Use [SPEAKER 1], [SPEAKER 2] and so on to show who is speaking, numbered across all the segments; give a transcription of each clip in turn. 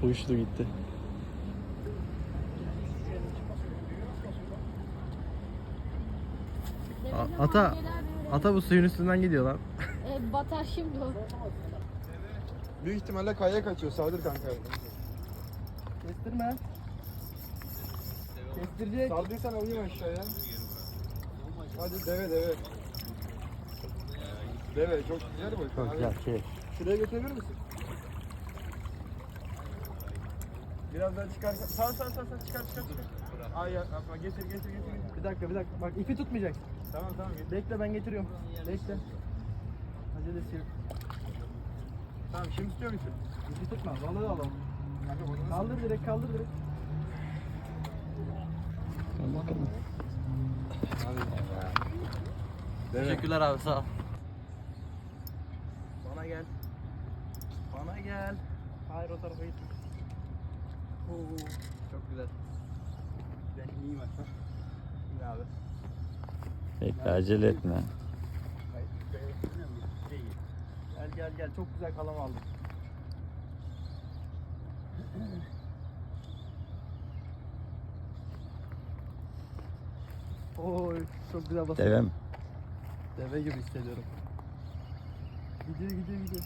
[SPEAKER 1] Uçtu gitti. Ata bu suyun üstünden gidiyor lan.
[SPEAKER 2] Batar şimdi o.
[SPEAKER 3] Büyük ihtimalle kayaya kaçıyor. Saldır kanka.
[SPEAKER 1] Kestirme. Kestirecek.
[SPEAKER 3] Saldıysan alayım aşağıya. Hadi deve. Deve çok güzel boy.
[SPEAKER 1] Çok güzel şey.
[SPEAKER 3] Şuraya götürebilir misin? Biraz daha çıkar. Sağ çıkar. Ay yapma getir.
[SPEAKER 1] Bir dakika. Bak ipi tutmayacak.
[SPEAKER 3] Tamam getir.
[SPEAKER 1] Bekle ben getiriyorum. Bekle. Acelesi yok.
[SPEAKER 3] Tamam şimdi tutuyor musun?
[SPEAKER 1] İpi tutma. Balığı alalım.
[SPEAKER 3] Kanka bunu
[SPEAKER 1] Kaldır direkt. Teşekkürler abi sağ ol. Bana gel. Hayır o tarafa gitme. Oo, çok güzel.
[SPEAKER 3] ben iyiyim hatta.
[SPEAKER 1] İyi abi.
[SPEAKER 4] Bekle acele etme.
[SPEAKER 1] Gel. Çok güzel kalam aldım. Oy çok güzel basıyor.
[SPEAKER 4] Deve mi?
[SPEAKER 1] Deve gibi hissediyorum. Gidiyor.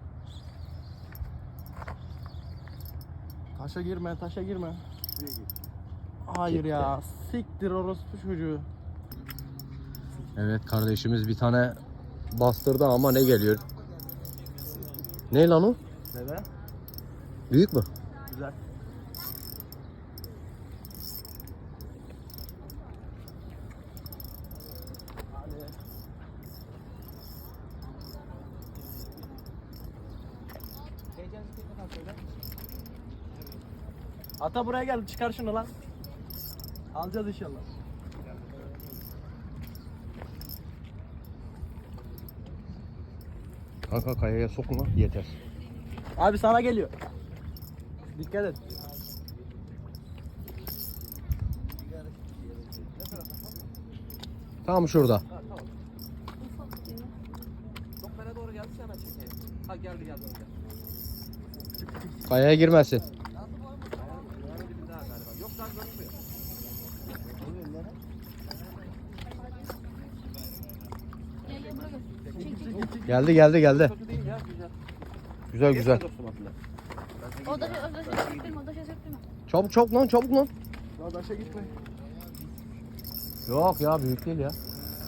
[SPEAKER 1] Taşa girme. Hayır ya. Siktir orospu çocuğu.
[SPEAKER 4] Evet kardeşimiz bir tane bastırdı ama ne geliyor? Ne lan o?
[SPEAKER 1] Deve.
[SPEAKER 4] Büyük mü?
[SPEAKER 1] Güzel. Ata buraya gel, çıkar şunu lan. Alacağız inşallah.
[SPEAKER 4] Kanka kayaya sokma yeter.
[SPEAKER 1] Abi sana geliyor. Dikkat et.
[SPEAKER 4] Tam şurada.
[SPEAKER 1] Çok bana doğru geldi sana çekeyim. Ha geldi.
[SPEAKER 4] Kayaya girmesin.
[SPEAKER 1] Yok daha görünmüyor.
[SPEAKER 2] Gel buraya gel. Çek.
[SPEAKER 4] Geldi.
[SPEAKER 1] Kötü değil ya, güzel.
[SPEAKER 4] Güzel.
[SPEAKER 2] O da söktürme.
[SPEAKER 4] Çabuk lan.
[SPEAKER 1] Daha taşa gitme.
[SPEAKER 4] Yok ya büyük değil ya.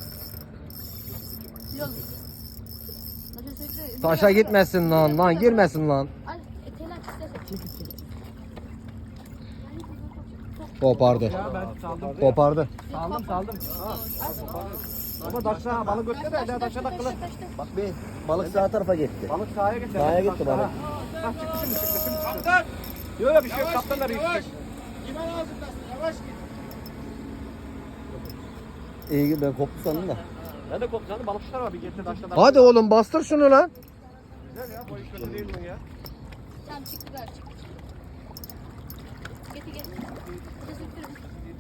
[SPEAKER 2] Yol. Taşa söktür.
[SPEAKER 4] Taşa gitmesin lan girmesin lan.
[SPEAKER 2] Ay telaş istersen.
[SPEAKER 4] Kopardı.
[SPEAKER 1] Ya ben saldım.
[SPEAKER 4] Kopardı.
[SPEAKER 1] Saldım. Ama taşla balık götüre de taşa takılı.
[SPEAKER 4] Bak bir balık sağ tarafa gitti.
[SPEAKER 1] Balık sahaya gitti.
[SPEAKER 4] Sahaya gitti balık.
[SPEAKER 1] Ha çıktı şimdi. Kaptan. Yok bir şey yok. Kaptan da büyük.
[SPEAKER 3] İman ağzındasın. Yavaş git.
[SPEAKER 4] İyi ben koptu sandım da.
[SPEAKER 1] Ben de koptu sandım. Balıkçılar var bir getir taşla.
[SPEAKER 4] Hadi oğlum bastır şunu lan.
[SPEAKER 1] Güzel ya. Boy kötü değil mi ya?
[SPEAKER 2] Tamam çıktılar. Getir. Taşa söktürme.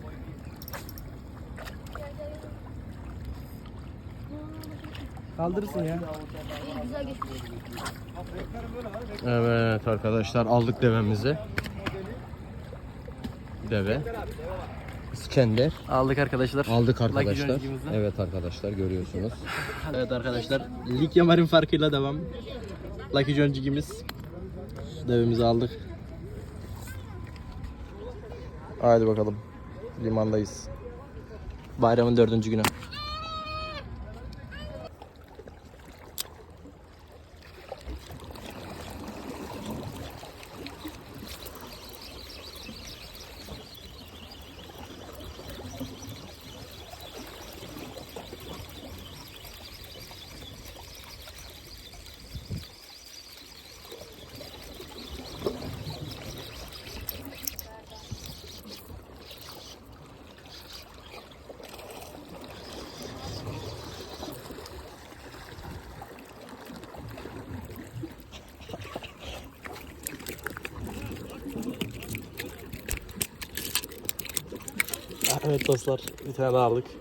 [SPEAKER 2] Gel.
[SPEAKER 1] Kaldırırsın ya.
[SPEAKER 2] İyi güzel geçmiş.
[SPEAKER 4] Evet arkadaşlar aldık devemizi. Deve. İskender.
[SPEAKER 1] Aldık arkadaşlar.
[SPEAKER 4] Aldık arkadaşlar.
[SPEAKER 1] Lucky Jones'umuzda.
[SPEAKER 4] Evet arkadaşlar görüyorsunuz.
[SPEAKER 1] Evet arkadaşlar. Likya Marin farkıyla devam. Lucky Jones'umuz. Devimizi aldık.
[SPEAKER 4] Haydi bakalım. Limandayız.
[SPEAKER 1] Bayramın 4. günü. Evet dostlar, bir tane daha aldık.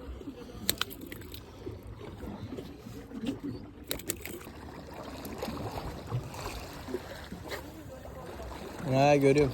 [SPEAKER 1] Ha görüyorum.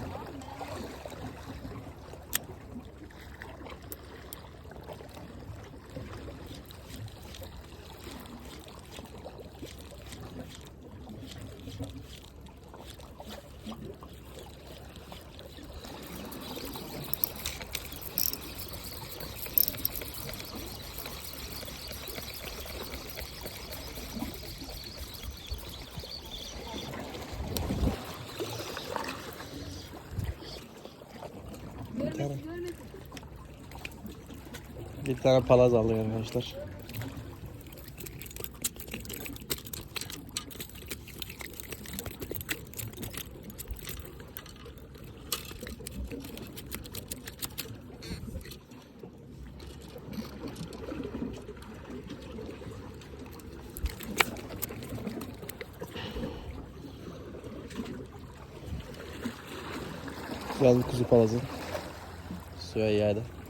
[SPEAKER 1] Bir tane palaz alıyor arkadaşlar. Güzel bir kuzu palazı. Suya yaydı.